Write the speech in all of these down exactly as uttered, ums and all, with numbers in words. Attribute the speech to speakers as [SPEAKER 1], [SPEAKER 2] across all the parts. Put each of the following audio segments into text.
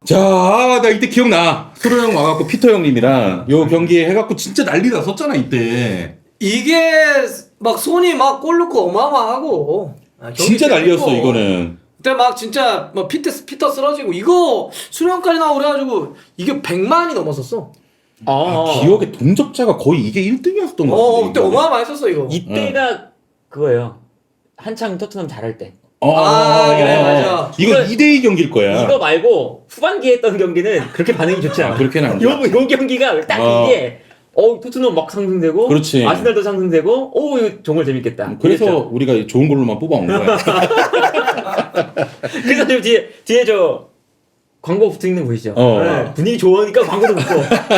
[SPEAKER 1] 자, 아, 나 이때 기억나. 소로 형 와갖고 피터 형님이랑 요 경기에 해갖고 진짜 난리 났었잖아 이때.
[SPEAKER 2] 이게 막 손이 막 골 넣고 어마어마하고 아, 경기
[SPEAKER 1] 진짜 난리였어
[SPEAKER 2] 재밌고.
[SPEAKER 1] 이거는.
[SPEAKER 2] 그때 막 진짜 뭐 피터 피터 쓰러지고 이거 수령까지 나오고 그래가지고 이게 백만이 넘었었어.
[SPEAKER 1] 아,
[SPEAKER 3] 어,
[SPEAKER 1] 기억에 동접자가 거의 이게 일 등이었던 거
[SPEAKER 2] 어
[SPEAKER 1] 같은데.
[SPEAKER 2] 그때
[SPEAKER 1] 이거는.
[SPEAKER 2] 어마어마했었어 이거.
[SPEAKER 3] 이때가 그거예요. 한창 토트넘 잘할 때.
[SPEAKER 1] 어,
[SPEAKER 2] 아, 그래, 맞아.
[SPEAKER 1] 이거
[SPEAKER 3] 이거-
[SPEAKER 1] 이 대 이 경기일 거야.
[SPEAKER 3] 이거 말고 후반기에 했던 경기는 그렇게 반응이 좋지 않아.
[SPEAKER 1] 아, 그렇게는 안
[SPEAKER 3] 요, 요 경기가 딱
[SPEAKER 1] 어.
[SPEAKER 3] 이게 어 토트넘 막 상승되고
[SPEAKER 1] 그렇지.
[SPEAKER 3] 아스날도 상승되고 오 이거 정말 재밌겠다.
[SPEAKER 1] 그래서
[SPEAKER 3] 이랬죠.
[SPEAKER 1] 우리가 좋은 걸로만 뽑아온 거야.
[SPEAKER 3] 그래서 저 뒤에 뒤에 저 광고 붙어 있는 거 보이시죠?
[SPEAKER 1] 어.
[SPEAKER 3] 네, 분위기 좋으니까 광고도 붙고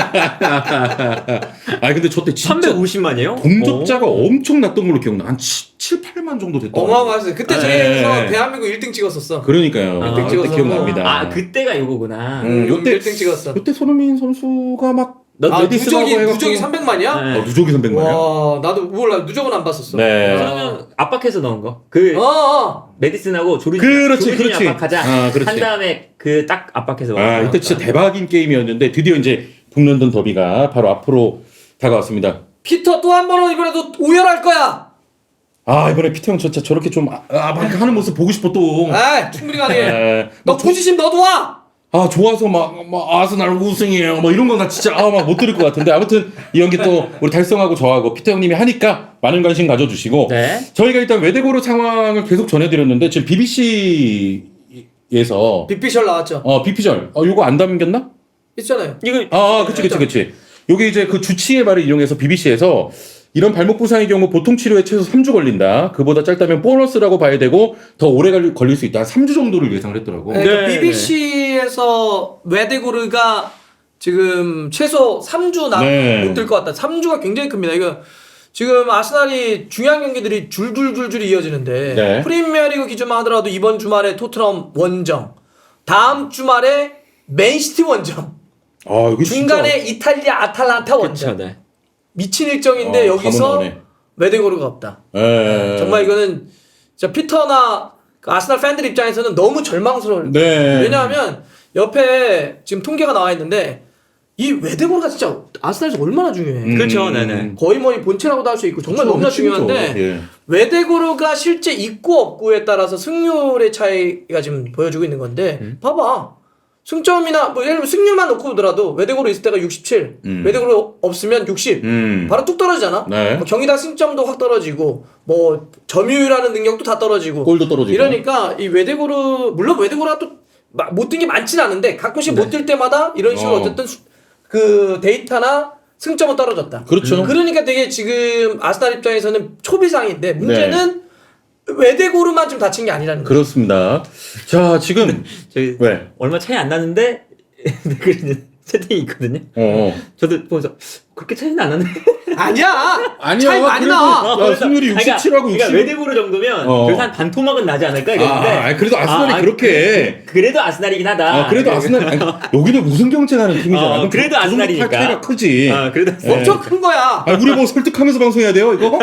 [SPEAKER 1] 아 근데 저때 진짜
[SPEAKER 3] 삼백오십만이에요?
[SPEAKER 1] 동접자가 엄청 났던 걸로 기억나. 한 칠, 팔만 정도 됐던 거.
[SPEAKER 2] 어마어마했어요. 그때
[SPEAKER 1] 네.
[SPEAKER 2] 저희에서 대한민국 일 등 찍었었어.
[SPEAKER 1] 그러니까요.
[SPEAKER 3] 아,
[SPEAKER 1] 아, 그때
[SPEAKER 2] 찍어서.
[SPEAKER 1] 기억납니다.
[SPEAKER 3] 아 그때가 요거구나.
[SPEAKER 1] 음, 요때
[SPEAKER 2] 일 등 찍었어.
[SPEAKER 1] 요때 손흥민 선수가 막
[SPEAKER 3] 너
[SPEAKER 2] 아
[SPEAKER 1] 레디스라고
[SPEAKER 2] 누적이
[SPEAKER 1] 해갖고-
[SPEAKER 2] 누적이 삼백만이야?
[SPEAKER 3] 네.
[SPEAKER 1] 어, 누적이 삼백만이야.
[SPEAKER 2] 와 나도 몰라 누적은 안 봤었어.
[SPEAKER 1] 네.
[SPEAKER 3] 그러면 압박해서 넣은 거. 그
[SPEAKER 2] 어, 어.
[SPEAKER 3] 메디슨하고 조르지
[SPEAKER 1] 그렇지,
[SPEAKER 3] 조르지니
[SPEAKER 1] 그렇지.
[SPEAKER 3] 압박하자.
[SPEAKER 1] 아, 그렇지.
[SPEAKER 3] 한 다음에 그 딱 압박해서.
[SPEAKER 1] 아, 이때 진짜 대박인 게임이었는데 드디어 이제 북런던 더비가 바로 앞으로 다가왔습니다.
[SPEAKER 2] 피터 또 한 번은 이번에도 오열할 거야.
[SPEAKER 1] 아, 이번에 피터 형 진짜 저렇게 좀 아, 아, 막 하는 모습 보고 싶어 또.
[SPEAKER 2] 아 충분히 가능해.
[SPEAKER 1] 에,
[SPEAKER 2] 너
[SPEAKER 1] 막 조-
[SPEAKER 2] 포지션 너도 와.
[SPEAKER 1] 아 좋아서 막, 막 아스날 우승이에요 뭐 이런 건 나 진짜 아 막 못 들을 것 같은데 아무튼 이 연기 또 우리 달성하고 저하고 피터 형님이 하니까 많은 관심 가져주시고
[SPEAKER 3] 네.
[SPEAKER 1] 저희가 일단 외대고로 상황을 계속 전해드렸는데 지금 비비씨에서
[SPEAKER 2] 빅피셜 나왔죠.
[SPEAKER 1] 어 비피절 어 요거 안 담겼나?
[SPEAKER 2] 있잖아요.
[SPEAKER 3] 이거
[SPEAKER 1] 아, 아 그치 그치 그치 요게 이제 그 주치의 말을 이용해서 비비씨에서 이런 발목 부상의 경우 보통 치료에 최소 삼 주 걸린다. 그보다 짧다면 보너스라고 봐야 되고 더 오래 걸릴, 걸릴 수 있다. 삼 주 정도를 예상을 했더라고.
[SPEAKER 2] 네, 그러니까
[SPEAKER 3] 네,
[SPEAKER 2] 비비씨에서 웨데고르가 지금 최소 삼 주 남
[SPEAKER 1] 네.
[SPEAKER 2] 못 될 것 같다. 삼 주가 굉장히 큽니다. 이거 지금 아스날이 중요한 경기들이 줄줄줄줄 이어지는데
[SPEAKER 1] 네.
[SPEAKER 2] 프리미어리그 기준만 하더라도 이번 주말에 토트넘 원정, 다음 주말에 맨시티 원정,
[SPEAKER 1] 아, 여기
[SPEAKER 2] 중간에 이탈리아 아탈란타
[SPEAKER 3] 그렇죠.
[SPEAKER 2] 원정.
[SPEAKER 3] 네.
[SPEAKER 2] 미친 일정인데
[SPEAKER 1] 어,
[SPEAKER 2] 여기서
[SPEAKER 1] 가면 나오네.
[SPEAKER 2] 웨데고르가 없다.
[SPEAKER 1] 예.
[SPEAKER 2] 정말 이거는 진짜 피터나 그 아스날 팬들 입장에서는 너무 절망스러울.
[SPEAKER 1] 네.
[SPEAKER 2] 왜냐하면 옆에 지금 통계가 나와 있는데 이 웨데고르가 진짜 아스날에서 얼마나 중요해.
[SPEAKER 1] 음.
[SPEAKER 3] 그렇죠. 네네.
[SPEAKER 2] 거의 뭐 본체라고도 할 수 있고 정말
[SPEAKER 1] 그쵸,
[SPEAKER 2] 너무나
[SPEAKER 1] 핵심이죠.
[SPEAKER 2] 중요한데
[SPEAKER 1] 예.
[SPEAKER 2] 웨데고르가 실제 있고 없고에 따라서 승률의 차이가 지금 보여주고 있는 건데
[SPEAKER 3] 음.
[SPEAKER 2] 봐봐. 승점이나 뭐 예를 들면 승률만 놓고 보더라도 웨데고르 있을 때가 육십칠,
[SPEAKER 1] 음.
[SPEAKER 2] 웨데고르 없으면 육십.
[SPEAKER 1] 음.
[SPEAKER 2] 바로 뚝 떨어지잖아.
[SPEAKER 1] 네.
[SPEAKER 2] 뭐 경기당 승점도 확 떨어지고 뭐 점유율하는 능력도 다 떨어지고.
[SPEAKER 1] 골도 떨어지고.
[SPEAKER 2] 이러니까 이 웨데고르 물론 웨데고르가 또 못 뜬 게 많지는 않은데 가끔씩
[SPEAKER 3] 네.
[SPEAKER 2] 못 뛸 때마다 이런 식으로
[SPEAKER 1] 어.
[SPEAKER 2] 어. 쨌든 그 데이터나 승점은 떨어졌다.
[SPEAKER 1] 그렇죠.
[SPEAKER 2] 그러니까 되게 지금 아스날 입장에서는 초비상인데 문제는
[SPEAKER 1] 네.
[SPEAKER 2] 웨데고르만 좀 다친 게 아니라는 거예요.
[SPEAKER 1] 그렇습니다. 자, 지금
[SPEAKER 3] 저희
[SPEAKER 1] 왜?
[SPEAKER 3] 얼마 차이 안 나는데 댓글에 채팅이 있거든요.
[SPEAKER 1] 어.
[SPEAKER 3] 저도 보면서 그렇게 차이는 안 나네.
[SPEAKER 2] 아니야.
[SPEAKER 1] 아니야.
[SPEAKER 2] 차이 많이
[SPEAKER 1] 그래도-
[SPEAKER 2] 나.
[SPEAKER 1] 야,
[SPEAKER 3] 그래서-
[SPEAKER 1] 승률이
[SPEAKER 3] 그러니까-
[SPEAKER 1] 육십칠하고
[SPEAKER 3] 그러니까
[SPEAKER 1] 육십.
[SPEAKER 3] 웨데고르 정도면
[SPEAKER 1] 어.
[SPEAKER 3] 그래서 한 반토막은 나지 않을까
[SPEAKER 1] 아,
[SPEAKER 3] 이랬는데.
[SPEAKER 1] 아, 그래도 아스날이
[SPEAKER 3] 아, 아,
[SPEAKER 1] 그렇게.
[SPEAKER 3] 그, 그래도 아스날이긴 하다.
[SPEAKER 1] 아, 그래도 아스날 아니, 여기도 우승 경쟁하는 팀이잖아.
[SPEAKER 3] 어,
[SPEAKER 1] 그럼
[SPEAKER 3] 그래도
[SPEAKER 1] 그 정도
[SPEAKER 3] 아스날이니까.
[SPEAKER 1] 차이가 크지.
[SPEAKER 3] 아, 그래도
[SPEAKER 1] 네.
[SPEAKER 2] 엄청 큰 거야.
[SPEAKER 1] 아, 우리 뭐 설득하면서 방송해야 돼요, 이거?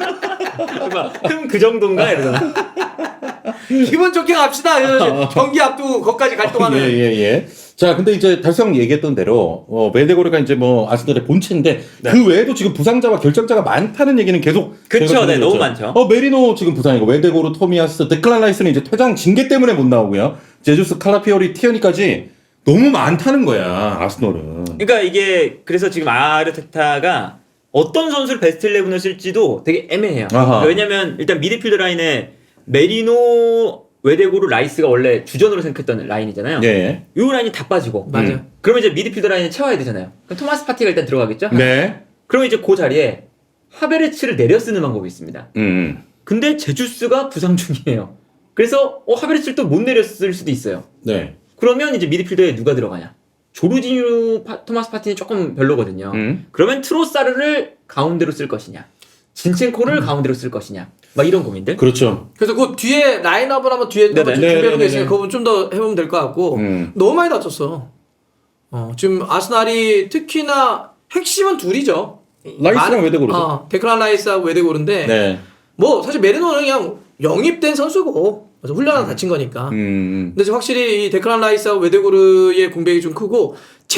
[SPEAKER 3] 흠그 정도인가 이러잖아.
[SPEAKER 2] 기분 좋게 갑시다. 이러면서 경기 앞두고 거기까지 갈 동안은.
[SPEAKER 1] 예, 예, 예. 자, 근데 이제 달성 얘기했던 대로, 어, 웨데고르가 이제 뭐 아스날의 본체인데,
[SPEAKER 3] 네.
[SPEAKER 1] 그 외에도 지금 부상자와 결장자가 많다는 얘기는 계속.
[SPEAKER 3] 그쵸,
[SPEAKER 1] 저희가
[SPEAKER 3] 네,
[SPEAKER 1] 전해드렸죠.
[SPEAKER 3] 너무 많죠.
[SPEAKER 1] 어, 메리노 지금 부상이고, 웨데고르, 토미아스, 데클란 라이스는 이제 퇴장 징계 때문에 못 나오고요. 제주스, 칼라피오리, 티어니까지 너무 많다는 거야, 아스널은.
[SPEAKER 3] 그러니까 이게 그래서 지금 아르테타가 어떤 선수를 베스트 십일을 쓸지도 되게 애매해요.
[SPEAKER 1] 아하.
[SPEAKER 3] 왜냐면 일단 미드필더 라인에 메리노, 웨데고르, 라이스가 원래 주전으로 생각했던 라인이잖아요.
[SPEAKER 1] 예.
[SPEAKER 3] 이 라인이 다 빠지고.
[SPEAKER 2] 맞아.
[SPEAKER 1] 음.
[SPEAKER 3] 그러면 이제 미드필더 라인을 채워야 되잖아요. 그럼 토마스 파티가 일단 들어가겠죠?
[SPEAKER 1] 네.
[SPEAKER 3] 그러면 이제 그 자리에 하베르츠를 내려 쓰는 방법이 있습니다.
[SPEAKER 1] 음.
[SPEAKER 3] 근데 제주스가 부상 중이에요. 그래서 어, 하베르츠를 또 못 내려 쓸 수도 있어요.
[SPEAKER 1] 네.
[SPEAKER 3] 그러면 이제 미드필더에 누가 들어가냐? 조르지뉴, 파, 토마스 파티는 조금 별로거든요.
[SPEAKER 1] 음.
[SPEAKER 3] 그러면 트로사르를 가운데로 쓸 것이냐? 진첸코를 가운데로 쓸 것이냐? 막 이런 고민들.
[SPEAKER 1] 그렇죠.
[SPEAKER 2] 그래서 그 뒤에 라인업을 한번 뒤에
[SPEAKER 3] 네네.
[SPEAKER 2] 한번 준비해보고
[SPEAKER 1] 네네네네.
[SPEAKER 2] 있으니까 그거 좀 더 해보면 될 것 같고
[SPEAKER 1] 음.
[SPEAKER 2] 너무 많이 다쳤어. 어, 지금 아스날이 특히나 핵심은 둘이죠.
[SPEAKER 1] 라이스랑
[SPEAKER 2] 많은-
[SPEAKER 1] 웨데고르죠.
[SPEAKER 2] 어, 데크란 라이스하고 웨데고르인데
[SPEAKER 1] 네.
[SPEAKER 2] 뭐 사실 메리노는 그냥 영입된 선수고 그래서 훈련하다 다친 거니까.
[SPEAKER 1] 음.
[SPEAKER 2] 근데 확실히 이 데클란 라이스하고 웨데고르의 공백이 좀 크고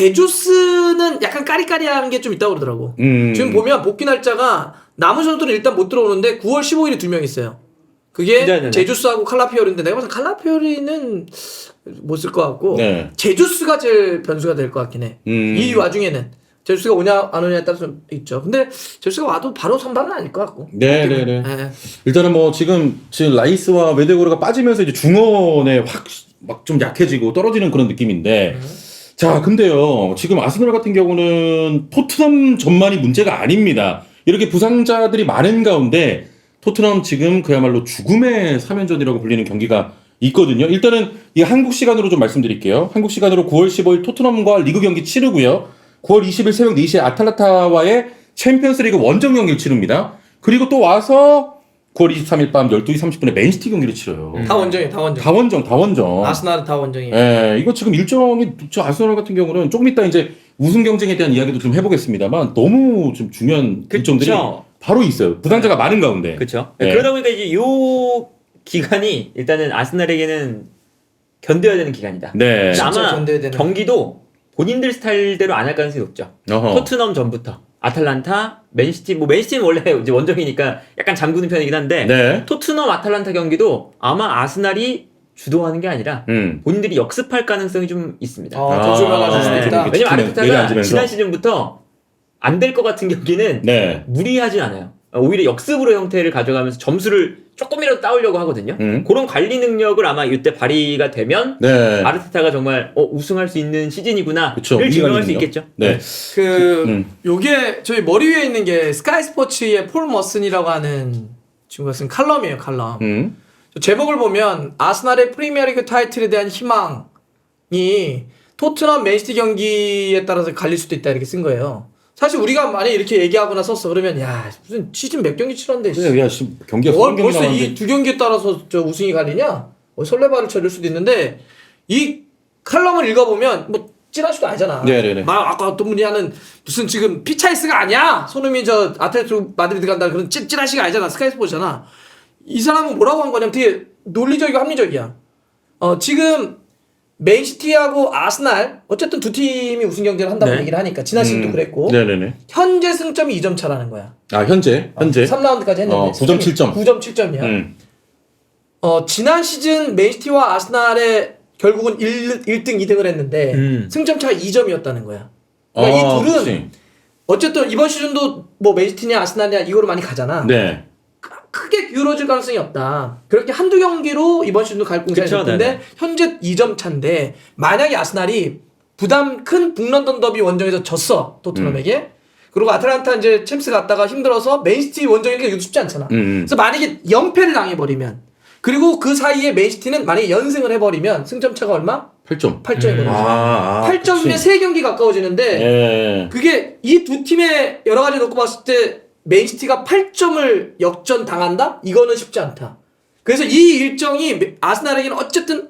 [SPEAKER 2] 제주스는 약간 까리까리한 게 좀 있다고 그러더라고.
[SPEAKER 1] 음.
[SPEAKER 2] 지금 보면 복귀 날짜가 남은 선수들은 일단 못 들어오는데 구월 십오일에 두 명 있어요. 그게
[SPEAKER 3] 네네네.
[SPEAKER 2] 제주스하고 칼라피오리인데 내가 봐서 칼라피오리는 못 쓸 것 같고
[SPEAKER 1] 네.
[SPEAKER 2] 제주스가 제일 변수가 될 것 같긴 해.
[SPEAKER 1] 음.
[SPEAKER 2] 이 와중에는 제주스가 오냐 안 오냐에 따라서 좀 있죠. 근데 제주스가 와도 바로 선발은 아닐 것 같고.
[SPEAKER 1] 네, 네, 네.
[SPEAKER 2] 네.
[SPEAKER 1] 일단은 뭐 지금 지금 라이스와 웨데고르가 빠지면서 이제 중원에 확 막 좀 약해지고 떨어지는 그런 느낌인데.
[SPEAKER 2] 음.
[SPEAKER 1] 자, 근데요. 지금 아스널 같은 경우는 토트넘 전만이 문제가 아닙니다. 이렇게 부상자들이 많은 가운데 토트넘 지금 그야말로 죽음의 삼 연전이라고 불리는 경기가 있거든요. 일단은 이 한국 시간으로 좀 말씀드릴게요. 한국 시간으로 구월 십오일 토트넘과 리그 경기 치르고요. 구월 이십일 새벽 네 시에 아탈란타와의 챔피언스리그 원정 경기를 치릅니다. 그리고 또 와서 구월 이십삼일 밤 열두 시 삼십 분에 맨시티 경기를 치러요.
[SPEAKER 2] 다 원정이에요. 다 원정.
[SPEAKER 1] 다 원정, 다 원정.
[SPEAKER 2] 아스날은 다 원정이에요.
[SPEAKER 1] 예, 이거 지금 일정이 저 아스널 같은 경우는 조금 이따 이제 우승 경쟁에 대한 이야기도 좀 해보겠습니다만 너무 좀 중요한
[SPEAKER 3] 그쵸.
[SPEAKER 1] 일정들이 바로 있어요. 부상자가 많은 가운데.
[SPEAKER 3] 그렇죠.
[SPEAKER 1] 네.
[SPEAKER 3] 그러다 보니까 이제 요 기간이 일단은 아스날에게는 견뎌야 되는 기간이다.
[SPEAKER 1] 네.
[SPEAKER 2] 진짜
[SPEAKER 3] 아마
[SPEAKER 2] 견뎌야 되는.
[SPEAKER 3] 경기도 본인들 스타일대로 안 할 가능성이 높죠.
[SPEAKER 1] 어허.
[SPEAKER 3] 토트넘 전부터 아탈란타, 맨시티, 뭐 맨시티는 원래 이제 원정이니까 약간 잠그는 편이긴 한데
[SPEAKER 1] 네.
[SPEAKER 3] 토트넘 아탈란타 경기도 아마 아스날이 주도하는 게 아니라
[SPEAKER 1] 음.
[SPEAKER 3] 본인들이 역습할 가능성이 좀 있습니다.
[SPEAKER 2] 어, 전술 변화줄 수도
[SPEAKER 3] 네.
[SPEAKER 2] 있다.
[SPEAKER 1] 이렇게
[SPEAKER 3] 왜냐면
[SPEAKER 1] 치면 내려앉으면서.
[SPEAKER 3] 아르테타가 지난 시즌부터 안 될 것 같은 경기는
[SPEAKER 1] 네.
[SPEAKER 3] 무리하지 않아요. 오히려 역습으로 형태를 가져가면서 점수를 조금이라도 따오려고 하거든요.
[SPEAKER 1] 음.
[SPEAKER 3] 그런 관리 능력을 아마 이때 발휘가 되면
[SPEAKER 1] 네.
[SPEAKER 3] 아르테타가 정말 어, 우승할 수 있는 시즌이구나를
[SPEAKER 1] 그쵸.
[SPEAKER 3] 증명할 수
[SPEAKER 1] 위기관리는요.
[SPEAKER 3] 있겠죠.
[SPEAKER 1] 네.
[SPEAKER 2] 그
[SPEAKER 1] 음.
[SPEAKER 2] 요게 저희 머리 위에 있는 게 스카이 스포츠의 폴 머슨이라고 하는 친구가 쓴 칼럼이에요. 칼럼.
[SPEAKER 1] 음.
[SPEAKER 2] 제목을 보면 아스날의 프리미어리그 타이틀에 대한 희망이 토트넘 맨시티 경기에 따라서 갈릴 수도 있다 이렇게 쓴 거예요. 사실 우리가 만약 이렇게 얘기하거나 썼어 그러면 야 무슨 시즌 몇 경기 치렀는데
[SPEAKER 1] 그래, 야, 지금 경기가
[SPEAKER 2] 뭘
[SPEAKER 1] 서른 경기
[SPEAKER 2] 벌써
[SPEAKER 1] 남았는데.
[SPEAKER 2] 이 두 경기에 따라서 저 우승이 갈리냐? 어, 설레발을 쳐줄 수도 있는데 이 칼럼을 읽어보면 뭐 찌라시도 아니잖아.
[SPEAKER 1] 네네네.
[SPEAKER 2] 막 아까 어떤 분이 하는 무슨 지금 피차이스가 아니야. 손흥민 저 아틀레티코 마드리드 간다 그런 찌, 찌라시가 아니잖아. 스카이 스포츠잖아. 이 사람은 뭐라고 한 거냐면 되게 논리적이고 합리적이야. 어 지금 맨시티하고 아스날 어쨌든 두 팀이 우승 경쟁을 한다고
[SPEAKER 3] 네.
[SPEAKER 2] 얘기를 하니까 지난 시즌도
[SPEAKER 1] 음.
[SPEAKER 2] 그랬고
[SPEAKER 1] 네네네.
[SPEAKER 2] 현재 승점이 이 점 차라는 거야.
[SPEAKER 1] 아, 현재. 현재.
[SPEAKER 2] 삼 라운드까지 했는데
[SPEAKER 1] 어, 구 점 칠 점.
[SPEAKER 2] 구 점 칠 점이야.
[SPEAKER 1] 음.
[SPEAKER 2] 어, 지난 시즌 맨시티와 아스날의 결국은 일 등, 이 등을 했는데
[SPEAKER 3] 음.
[SPEAKER 2] 승점 차가 이 점이었다는 거야. 그러니까
[SPEAKER 1] 아,
[SPEAKER 2] 이 둘은
[SPEAKER 1] 그치.
[SPEAKER 2] 어쨌든 이번 시즌도 뭐 맨시티냐 아스날이냐 이거로 많이 가잖아.
[SPEAKER 1] 네.
[SPEAKER 2] 크게 기울어질 가능성이 없다. 그렇게 한두 경기로 이번 시즌도 갈 공산이
[SPEAKER 3] 그쵸,
[SPEAKER 2] 높은데
[SPEAKER 3] 네네.
[SPEAKER 2] 현재 이 점 차인데 만약에 아스날이 부담 큰 북런던 더비 원정에서 졌어 토트넘에게
[SPEAKER 1] 음.
[SPEAKER 2] 그리고 아틀란타 이제 챔스 갔다가 힘들어서 맨시티 원정이니까 이거 쉽지 않잖아.
[SPEAKER 1] 음.
[SPEAKER 2] 그래서 만약에 연패를 당해버리면 그리고 그 사이에 맨시티는 만약에 연승을 해버리면 승점 차가 얼마?
[SPEAKER 1] 팔 점.
[SPEAKER 2] 팔 점이거든.
[SPEAKER 1] 아, 아.
[SPEAKER 2] 팔 점이면
[SPEAKER 1] 그치.
[SPEAKER 2] 세 경기 가까워지는데
[SPEAKER 1] 예.
[SPEAKER 2] 그게 이 두 팀의 여러 가지 놓고 봤을 때 맨시티가 팔 점을 역전 당한다? 이거는 쉽지 않다. 그래서 이 일정이 아스날에게는 어쨌든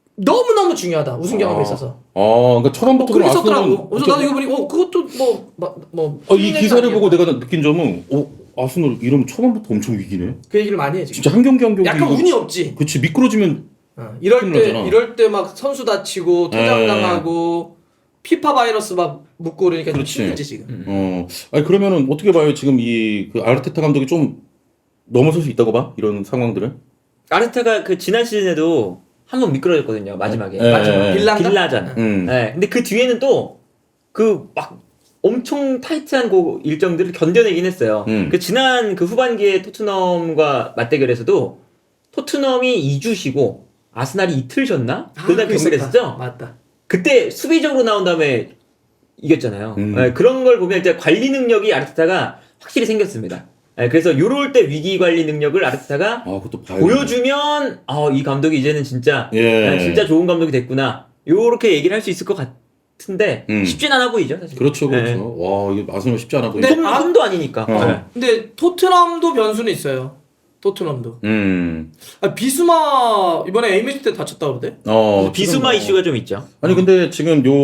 [SPEAKER 2] 너무너무 중요하다. 우승 경험에
[SPEAKER 1] 아.
[SPEAKER 2] 있어서.
[SPEAKER 1] 어, 그러니까
[SPEAKER 2] 뭐
[SPEAKER 1] 처음부터
[SPEAKER 2] 그렇게
[SPEAKER 1] 그럼 아스널은
[SPEAKER 2] 썼더라고. 그래서 나도 이거 보니 어 그것도 뭐 뭐
[SPEAKER 1] 어, 이 기사를 보고 내가 느낀 점은 어, 아스널 이러면 초반부터 엄청 위기네.
[SPEAKER 2] 그 얘기를 많이 해 지금.
[SPEAKER 1] 진짜 한 경기 한 경기
[SPEAKER 2] 약간
[SPEAKER 1] 이거-
[SPEAKER 2] 운이 없지.
[SPEAKER 1] 그치 미끄러지면
[SPEAKER 2] 어, 이럴
[SPEAKER 1] 큰일
[SPEAKER 2] 때
[SPEAKER 1] 나잖아.
[SPEAKER 2] 이럴 때 막 선수 다치고 퇴장
[SPEAKER 1] 에.
[SPEAKER 2] 당하고 피파 바이러스 막 묻고 그러니까 좀
[SPEAKER 1] 그렇지.
[SPEAKER 2] 힘들지 지금.
[SPEAKER 1] 어 아니 그러면은 어떻게 봐요 지금 이 그 아르테타 감독이 좀 넘어설 수 있다고 봐 이런 상황들을.
[SPEAKER 3] 아르테타가 그 지난 시즌에도 한 번 미끄러졌거든요 마지막에.
[SPEAKER 1] 네.
[SPEAKER 2] 맞아.
[SPEAKER 1] 네.
[SPEAKER 2] 빌란가?
[SPEAKER 3] 빌라전.
[SPEAKER 1] 음.
[SPEAKER 3] 네. 근데 그 뒤에는 또 그 막 엄청 타이트한 그 일정들을 견뎌내긴 했어요.
[SPEAKER 1] 음.
[SPEAKER 3] 그 지난 그 후반기에 토트넘과 맞대결에서도 토트넘이 이 주 쉬고 아스날이 이틀 쉬었나? 그날
[SPEAKER 2] 그거
[SPEAKER 3] 경기를
[SPEAKER 2] 있었다.
[SPEAKER 3] 했었죠.
[SPEAKER 2] 맞다.
[SPEAKER 3] 그때 수비적으로 나온 다음에 이겼잖아요.
[SPEAKER 1] 음.
[SPEAKER 3] 네, 그런 걸 보면 이제 관리 능력이 아르테타가 확실히 생겼습니다. 네, 그래서 요럴 때 위기 관리 능력을 아르테타가
[SPEAKER 1] 아 그것도 봐야
[SPEAKER 3] 보여주면 아, 이 감독이 이제는 진짜
[SPEAKER 1] 예.
[SPEAKER 3] 네, 진짜 좋은 감독이 됐구나. 요렇게 얘기를 할 수 있을 것 같은데
[SPEAKER 1] 음.
[SPEAKER 3] 쉽진 않아 보이죠, 사실.
[SPEAKER 1] 그렇죠 그렇죠.
[SPEAKER 3] 네.
[SPEAKER 1] 와 이거 아스널 쉽지 않아 보이네.
[SPEAKER 2] 근데
[SPEAKER 3] 홈,
[SPEAKER 2] 아-
[SPEAKER 3] 홈도 아니니까.
[SPEAKER 1] 어.
[SPEAKER 3] 네.
[SPEAKER 2] 근데 토트넘도 변수는 있어요. 토트넘도.
[SPEAKER 1] 음.
[SPEAKER 2] 아, 비수마 이번에 에이미스 때 다쳤다 그러대.
[SPEAKER 1] 어
[SPEAKER 3] 비수마
[SPEAKER 1] 지금
[SPEAKER 3] 이슈가 좀 있죠.
[SPEAKER 1] 아니 근데 지금 요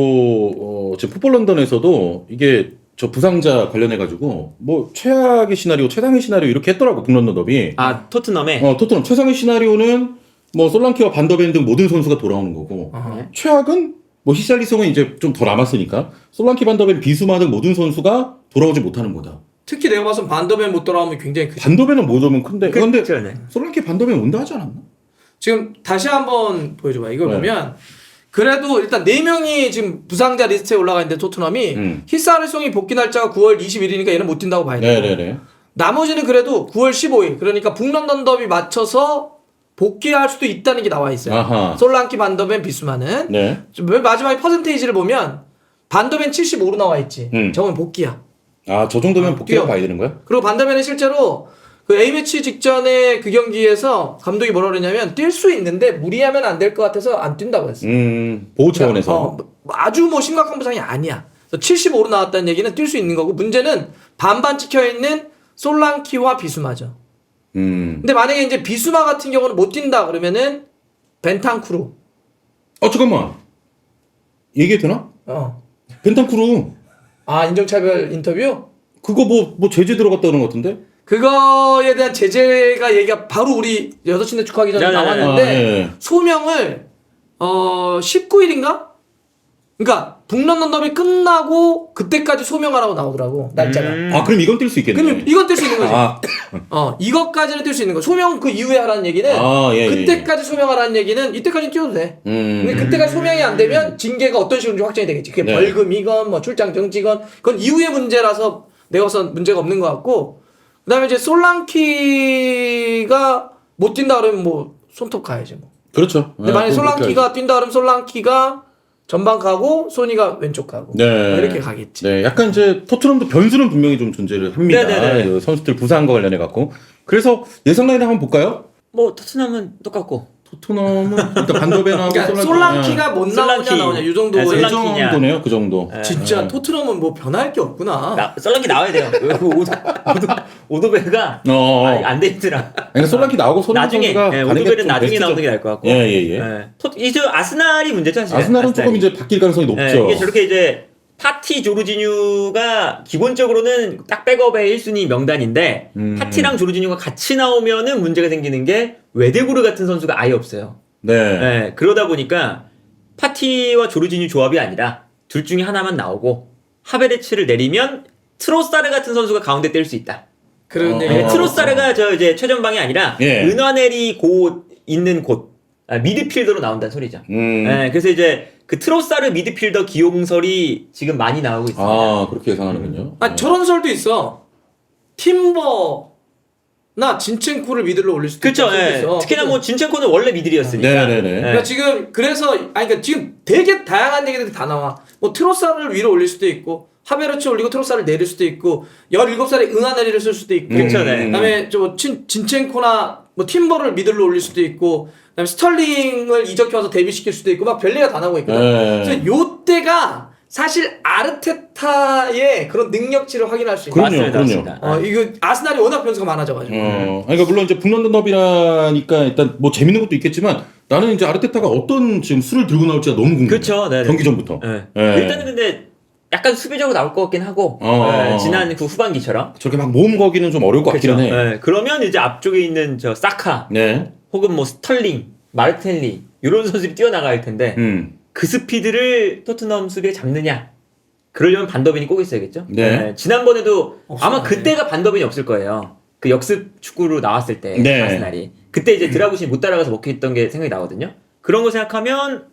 [SPEAKER 1] 어, 지금 풋볼 런던에서도 이게 저 부상자 관련해 가지고 뭐 최악의 시나리오, 최상의 시나리오 이렇게 했더라고 북런던 더비.
[SPEAKER 3] 아, 토트넘에
[SPEAKER 1] 어 토트넘 최상의 시나리오는 뭐 솔랑키와 반더벤 등 모든 선수가 돌아오는 거고
[SPEAKER 2] 어.
[SPEAKER 1] 최악은 뭐 히샬리송은 이제 좀 더 남았으니까 솔랑키, 반더벤, 비수마 등 모든 선수가 돌아오지 못하는 거다.
[SPEAKER 2] 특히 내가 봐선 반더벤 못 돌아오면 굉장히 크지.
[SPEAKER 1] 반더벤은 못 오면 큰데 그런데
[SPEAKER 3] 그렇죠, 네.
[SPEAKER 1] 솔랑키, 반더벤 온다 하지 않았나?
[SPEAKER 2] 지금 다시 한번 보여줘봐. 이걸
[SPEAKER 1] 네.
[SPEAKER 2] 보면 그래도 일단 네 명이 지금 부상자 리스트에 올라가 있는데 토트넘이
[SPEAKER 1] 음.
[SPEAKER 2] 히사르송이 복귀 날짜가 구월 이십일이니까 얘는 못 뛴다고 봐야 돼.
[SPEAKER 1] 네네네.
[SPEAKER 2] 나머지는 그래도 구월 십오일 그러니까 북런던 더비 맞춰서 복귀할 수도 있다는 게 나와 있어요.
[SPEAKER 1] 아하.
[SPEAKER 2] 솔랑키, 반더벤, 비수마는
[SPEAKER 1] 네.
[SPEAKER 2] 맨 마지막에 퍼센테이지를 보면 반더벤 칠십오로 나와 있지.
[SPEAKER 1] 음.
[SPEAKER 2] 저건 복귀야.
[SPEAKER 1] 아, 저 정도면
[SPEAKER 2] 아,
[SPEAKER 1] 복귀라고
[SPEAKER 2] 뛰어.
[SPEAKER 1] 봐야 되는 거야?
[SPEAKER 2] 그리고 반더벤은 실제로 그 A매치 직전에 그 경기에서 감독이 뭐라 그랬냐면 뛸 수 있는데 무리하면 안 될 것 같아서 안 뛴다고 했어.
[SPEAKER 1] 음, 보호 차원에서.
[SPEAKER 2] 어, 아주 뭐 심각한 부상이 아니야. 그래서 칠십오로 나왔다는 얘기는 뛸 수 있는 거고 문제는 반반 찍혀 있는 솔랑키와 비수마죠.
[SPEAKER 1] 음.
[SPEAKER 2] 근데 만약에 이제 비수마 같은 경우는 못 뛴다 그러면은 벤탄쿠르.
[SPEAKER 1] 어, 잠깐만. 얘기해도 되나?
[SPEAKER 2] 어.
[SPEAKER 1] 벤탄쿠르.
[SPEAKER 2] 아 인종차별 인터뷰?
[SPEAKER 1] 그거 뭐, 뭐 제재 들어갔다는 것 같은데?
[SPEAKER 2] 그거에 대한 제재가 얘기가 바로 우리 여섯 시내 축구하기 전에
[SPEAKER 3] 네, 네, 네.
[SPEAKER 2] 나왔는데
[SPEAKER 1] 아, 예.
[SPEAKER 2] 소명을 어 십구일인가? 그러니까 북런던 더비 끝나고 그때까지 소명하라고 나오더라고 날짜가.
[SPEAKER 3] 음.
[SPEAKER 1] 아, 그럼 이건 뛸 수 있겠네.
[SPEAKER 2] 그러면 이건 뛸 수 있는 거지.
[SPEAKER 1] 아,
[SPEAKER 2] 어 이것까지는 뛸 수 있는 거. 소명 그 이후에 하라는 얘기는
[SPEAKER 1] 아, 예, 예,
[SPEAKER 2] 그때까지 소명하라는 얘기는 이때까지 뛰어도 돼.
[SPEAKER 1] 음.
[SPEAKER 2] 근데 그때까지 소명이 안 되면 징계가 어떤 식으로 확정이 되겠지. 그게
[SPEAKER 1] 네.
[SPEAKER 2] 벌금이건 뭐 출장 정지건 그건 이후의 문제라서 내가 봐선 문제가 없는 것 같고 그다음에 이제 솔랑키가 못 뛴다 그러면 뭐 손톱 가야지 뭐.
[SPEAKER 1] 그렇죠.
[SPEAKER 2] 근데
[SPEAKER 1] 아,
[SPEAKER 2] 만약 에
[SPEAKER 1] 그럼 그렇게
[SPEAKER 2] 솔랑키가 뛴다 그러면 솔랑키가 전방 가고 소니가 왼쪽 가고
[SPEAKER 1] 네.
[SPEAKER 2] 뭐 이렇게 가겠지.
[SPEAKER 1] 네, 약간 이제 토트넘도 변수는 분명히 좀 존재를 합니다.
[SPEAKER 3] 네네네.
[SPEAKER 1] 그 선수들 부상과 관련해 갖고. 그래서 예상 라인 한번 볼까요?
[SPEAKER 3] 뭐 토트넘은 똑같고
[SPEAKER 1] 토트넘은 일단 반더벤하고
[SPEAKER 2] 그러니까
[SPEAKER 1] 솔랑키.
[SPEAKER 2] 솔랑키가 못 나오냐
[SPEAKER 3] 솔랑키.
[SPEAKER 2] 나오냐 이 정도.
[SPEAKER 3] 네,
[SPEAKER 1] 그
[SPEAKER 3] 솔랑키냐.
[SPEAKER 1] 정도네요, 그 정도.
[SPEAKER 3] 네.
[SPEAKER 2] 진짜
[SPEAKER 1] 네.
[SPEAKER 2] 토트넘은 뭐 변할 게 없구나.
[SPEAKER 3] 나, 썰렁기 나와야 돼요. 그 오도 오도 오도베가
[SPEAKER 1] 어.
[SPEAKER 3] 안돼 있더라.
[SPEAKER 1] 그러니까 솔랑키 나오고 손흥민
[SPEAKER 3] 나중에
[SPEAKER 1] 선수가
[SPEAKER 3] 예,
[SPEAKER 1] 가는 게
[SPEAKER 3] 오도베는
[SPEAKER 1] 좀
[SPEAKER 3] 나중에
[SPEAKER 1] 베스트죠.
[SPEAKER 3] 나오는 게 나을 것 같고.
[SPEAKER 1] 예, 예, 예.
[SPEAKER 3] 예. 토, 이제 아스날이 문제죠 사실.
[SPEAKER 1] 아스날은 조금 이제 바뀔 가능성이 높죠.
[SPEAKER 3] 예, 이게 저렇게 이제 파티 조르지뉴가 기본적으로는 딱 백업의 일 순위 명단인데
[SPEAKER 1] 음.
[SPEAKER 3] 파티랑 조르지뉴가 같이 나오면은 문제가 생기는 게 웨데구르 같은 선수가 아예 없어요.
[SPEAKER 1] 네.
[SPEAKER 3] 예, 그러다 보니까 파티와 조르지뉴 조합이 아니라 둘 중에 하나만 나오고 하베르츠를 내리면 트로사르 같은 선수가 가운데 뛸 수 있다.
[SPEAKER 2] 그런
[SPEAKER 1] 어,
[SPEAKER 2] 얘기.
[SPEAKER 3] 예,
[SPEAKER 1] 어.
[SPEAKER 3] 트로사르가 저 이제 최전방이 아니라
[SPEAKER 1] 예.
[SPEAKER 3] 은화넬이 곧 있는 곳 아, 미드필더로 나온다는 소리죠.
[SPEAKER 1] 음.
[SPEAKER 3] 예, 그래서 이제 그 트로사르 미드필더 기용설이 지금 많이 나오고 있습니다.
[SPEAKER 1] 아, 그렇게 예상하는군요.
[SPEAKER 2] 아
[SPEAKER 1] 네.
[SPEAKER 2] 저런 설도 있어. 팀버나 진첸코를 미들로 올릴 수도
[SPEAKER 3] 그렇죠.
[SPEAKER 2] 있다는
[SPEAKER 3] 예.
[SPEAKER 2] 설도 있어.
[SPEAKER 3] 특히나 뭐 진첸코는 원래 미들이었으니까.
[SPEAKER 1] 네네네.
[SPEAKER 3] 예.
[SPEAKER 2] 그러니까 지금 그래서 아니 그러니까 지금 되게 다양한 얘기들이 다 나와. 뭐 트로사를 위로 올릴 수도 있고 하베르츠 올리고 트로사를 내릴 수도 있고 열일곱 살에 은하내리를 쓸 수도 있고
[SPEAKER 3] 그쵸, 네.
[SPEAKER 2] 그다음에 저 친, 진첸코나 뭐 팀버를 미들로 올릴 수도 있고 그다음에 스털링을 이적해와서 데뷔시킬 수도 있고 막 별리가 다 나오고 있거든.
[SPEAKER 1] 네.
[SPEAKER 2] 그래서 요때가 사실 아르테타의 그런 능력치를 확인할 수 있는.
[SPEAKER 1] 그럼요,
[SPEAKER 3] 맞습니다,
[SPEAKER 1] 그럼요.
[SPEAKER 3] 맞습니다.
[SPEAKER 2] 어 이거 아스날이 워낙 변수가 많아져가지고.
[SPEAKER 1] 어, 그러니까 물론 이제 북런던 더비라니까 일단 뭐 재밌는 것도 있겠지만 나는 이제 아르테타가 어떤 지금 수를 들고 나올지가 너무 궁금해.
[SPEAKER 3] 그렇죠. 네.
[SPEAKER 1] 경기 전부터.
[SPEAKER 3] 예.
[SPEAKER 1] 예.
[SPEAKER 3] 일단은 근데 약간 수비적으로 나올 것 같긴 하고
[SPEAKER 1] 어.
[SPEAKER 3] 예, 지난 그 후반기처럼.
[SPEAKER 1] 저렇게 막 모험 거기는 좀 어려울 것 같기는 해.
[SPEAKER 3] 예, 그러면 이제 앞쪽에 있는 저 사카
[SPEAKER 1] 네.
[SPEAKER 3] 혹은 뭐 스털링, 마르텔리 이런 선수들이 뛰어나갈 텐데
[SPEAKER 1] 음.
[SPEAKER 3] 그 스피드를 토트넘 수비에 잡느냐? 그러려면 반더벤이 꼭 있어야겠죠.
[SPEAKER 1] 네.
[SPEAKER 3] 예, 지난번에도
[SPEAKER 2] 없어요.
[SPEAKER 3] 아마 그때가 반더벤이 없을 거예요. 그 역습 축구로 나왔을 때
[SPEAKER 1] 네.
[SPEAKER 3] 아스날이 그때 이제 드라구신이 못 따라가서 먹혔던 게 생각이 나거든요. 그런 거 생각하면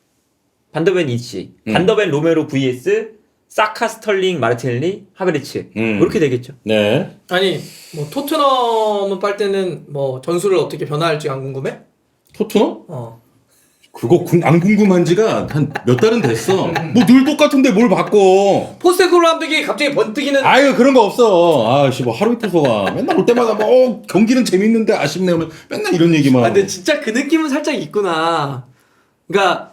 [SPEAKER 3] 반더벤 이치,
[SPEAKER 1] 음.
[SPEAKER 3] 반더벤 로메로 vs 사카, 스털링, 마르텔리, 하베르츠
[SPEAKER 1] 음.
[SPEAKER 3] 그렇게 되겠죠.
[SPEAKER 1] 네.
[SPEAKER 2] 아니 뭐 토트넘은 빨 때는 뭐 전술을 어떻게 변화할지 안 궁금해?
[SPEAKER 1] 토트넘?
[SPEAKER 2] 어.
[SPEAKER 1] 그거 궁- 안 궁금한 지가 한 몇 달은 됐어. 뭐 늘 똑같은데 뭘 바꿔.
[SPEAKER 2] 포스테코글로 감독이 갑자기 번뜩이는
[SPEAKER 1] 아유 그런 거 없어. 아씨 뭐 하루 이틀 소가 맨날 올 때마다 뭐 어, 경기는 재밌는데 아쉽네 하면 맨날 이런 얘기만.
[SPEAKER 2] 아, 근데 진짜 그 느낌은 살짝 있구나. 그러니까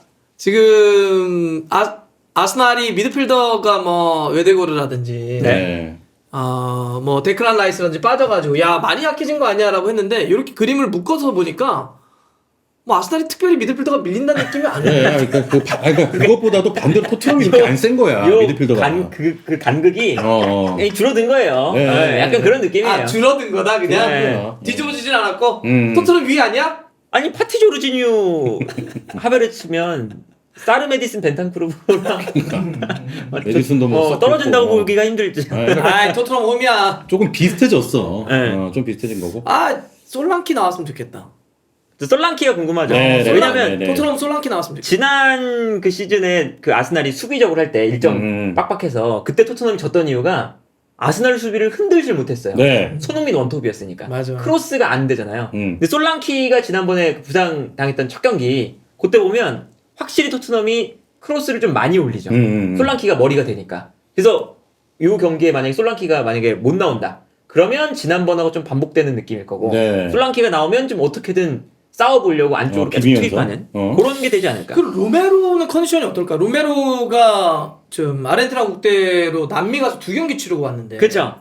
[SPEAKER 2] 지금 아 아스날이 미드필더가 뭐 웨데고르라든지
[SPEAKER 1] 네.
[SPEAKER 2] 어뭐 데클란 라이스라든지 빠져가지고 야 많이 약해진 거 아니야라고 했는데 이렇게 그림을 묶어서 보니까 뭐 아스날이 특별히 미드필더가 밀린다는 느낌이 안
[SPEAKER 1] 네,
[SPEAKER 2] 나.
[SPEAKER 1] 그러니까 그 바- 아니, 그러니까 그것보다도 반대로 토트넘이 이렇게 안 센 거야
[SPEAKER 3] 요
[SPEAKER 1] 미드필더가.
[SPEAKER 3] 간, 그, 그 간극이
[SPEAKER 1] 어, 어.
[SPEAKER 3] 그냥 줄어든 거예요.
[SPEAKER 1] 네.
[SPEAKER 3] 예, 약간 그런 느낌이에요.
[SPEAKER 2] 아 줄어든 거다 그냥
[SPEAKER 3] 네.
[SPEAKER 2] 뒤집어지진 않았고
[SPEAKER 1] 음.
[SPEAKER 2] 토트넘 위 아니야?
[SPEAKER 3] 아니 파티 조르지뉴 하베르츠면 사르 메디슨 벤탄크루브랑
[SPEAKER 1] 메디슨도 뭐
[SPEAKER 3] 어,
[SPEAKER 1] 썩고
[SPEAKER 3] 떨어진다고
[SPEAKER 1] 있고.
[SPEAKER 3] 보기가 힘들지.
[SPEAKER 1] 아,
[SPEAKER 2] 아 토트넘 홈이야.
[SPEAKER 1] 조금 비슷해졌어.
[SPEAKER 3] 네.
[SPEAKER 1] 어, 좀 비슷해진 거고.
[SPEAKER 2] 아 솔랑키 나왔으면 좋겠다.
[SPEAKER 3] 솔랑키가 궁금하죠.
[SPEAKER 1] 네, 네,
[SPEAKER 3] 왜냐면
[SPEAKER 1] 네, 네.
[SPEAKER 2] 토트넘 솔랑키 나왔으면 좋겠다.
[SPEAKER 3] 지난 그 시즌에 그 아스날이 수비적으로 할 때 일정
[SPEAKER 1] 음.
[SPEAKER 3] 빡빡해서 그때 토트넘이 졌던 이유가 아스날 수비를 흔들질 못했어요.
[SPEAKER 1] 네.
[SPEAKER 3] 손흥민 원톱이었으니까.
[SPEAKER 2] 맞아.
[SPEAKER 3] 크로스가 안 되잖아요.
[SPEAKER 1] 음.
[SPEAKER 3] 근데 솔랑키가 지난번에 부상 당했던 첫 경기 그때 보면 확실히 토트넘이 크로스를 좀 많이 올리죠.
[SPEAKER 1] 음, 음, 음.
[SPEAKER 3] 솔랑키가 머리가 되니까. 그래서 이 경기에 만약에 솔랑키가 만약에 못 나온다. 그러면 지난번하고 좀 반복되는 느낌일 거고
[SPEAKER 1] 네.
[SPEAKER 3] 솔랑키가 나오면 좀 어떻게든 싸워보려고 안쪽으로
[SPEAKER 1] 어,
[SPEAKER 3] 계속
[SPEAKER 1] 비비면서?
[SPEAKER 3] 투입하는
[SPEAKER 1] 어.
[SPEAKER 3] 그런 게 되지 않을까.
[SPEAKER 2] 그 로메로는 컨디션이 어떨까? 로메로가 좀 아르헨티나 국대로 남미 가서 두 경기 치르고 왔는데.
[SPEAKER 3] 그렇죠.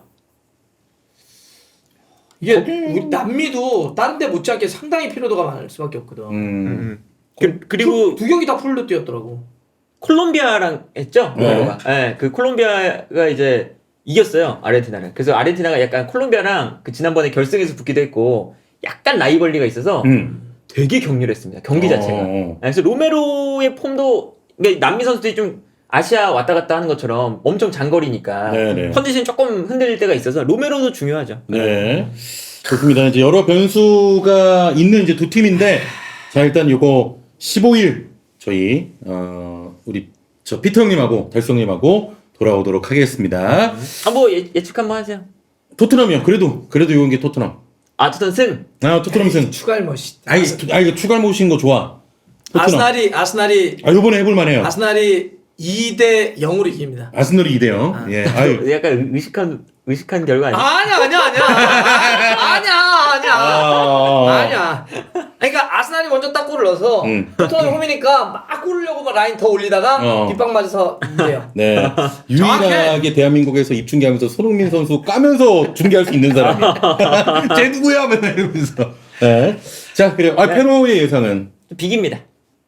[SPEAKER 2] 이게
[SPEAKER 1] 거기-
[SPEAKER 2] 우리 남미도 다른 데 못지않게 상당히 피로도가 많을 수밖에 없거든.
[SPEAKER 1] 음.
[SPEAKER 3] 그, 그리고
[SPEAKER 2] 두, 두 경기 다 풀로 뛰었더라고.
[SPEAKER 3] 콜롬비아랑 했죠.
[SPEAKER 1] 네.
[SPEAKER 3] 로메로가. 네. 그 콜롬비아가 이제 이겼어요. 아르헨티나를. 그래서 아르헨티나가 약간 콜롬비아랑 그 지난번에 결승에서 붙기도 했고 약간 라이벌리가 있어서
[SPEAKER 1] 음.
[SPEAKER 3] 되게 격렬했습니다. 경기 자체가.
[SPEAKER 1] 어, 어.
[SPEAKER 3] 네, 그래서 로메로의 폼도 그러니까 남미 선수들이 좀 아시아 왔다 갔다 하는 것처럼 엄청 장거리니까
[SPEAKER 1] 네네.
[SPEAKER 3] 컨디션이 조금 흔들릴 때가 있어서 로메로도 중요하죠.
[SPEAKER 1] 네. 좋습니다. 이제 여러 변수가 있는 이제 두 팀인데, 자, 일단 요거 십오 일 저희, 어, 우리, 저 피터 형님하고 달성님하고 돌아오도록 하겠습니다.
[SPEAKER 3] 한번 예, 예측 한번 하세요.
[SPEAKER 1] 토트넘이요. 그래도, 그래도 요건 게 토트넘.
[SPEAKER 3] 아, 토튼 승.
[SPEAKER 1] 아, 토트넘 승.
[SPEAKER 2] 추가할 멋이.
[SPEAKER 1] 아, 이 아, 이거 추가를 모신 거 좋아. 토트넘.
[SPEAKER 2] 아스날이 아스날이
[SPEAKER 1] 아, 요번에 해볼만 해요.
[SPEAKER 2] 아스날이 이 대 영으로 이깁니다.
[SPEAKER 1] 아스널이 이 대 영.
[SPEAKER 2] 아.
[SPEAKER 1] 예. 아유.
[SPEAKER 3] 약간 의식한 의식한 결과 아니야?
[SPEAKER 2] 아니야 아니야 아니야 아니야 아니야
[SPEAKER 1] 아.
[SPEAKER 2] 아니야. 그러니까 아스날이 먼저 딱 골을 넣어서
[SPEAKER 1] 음.
[SPEAKER 2] 토트넘이 홈이니까 막 골르려고 막 라인 더 올리다가
[SPEAKER 1] 어.
[SPEAKER 2] 뒷방 맞아서 이겨요.
[SPEAKER 1] 네. 유일하게 대한민국에서 입중계하면서 손흥민 선수 까면서 중계할 수 있는 사람이. 쟤 누구야? 맨날 이러면서. 네. 자, 그래요. 아,
[SPEAKER 3] 네.
[SPEAKER 1] 페노의 예상은?
[SPEAKER 3] 비깁니다.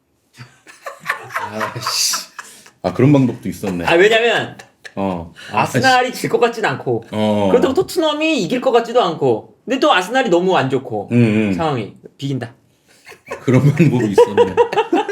[SPEAKER 1] 아씨. 아, 그런 방법도 있었네.
[SPEAKER 3] 아, 왜냐면
[SPEAKER 1] 어.
[SPEAKER 3] 아스날이 질 것 같지도 않고
[SPEAKER 1] 어.
[SPEAKER 3] 그렇다고 토트넘이 이길 것 같지도 않고 근데 또 아스날이 너무 안 좋고
[SPEAKER 1] 음, 음.
[SPEAKER 3] 상황이 비긴다.
[SPEAKER 1] 그런 방법이 있었네.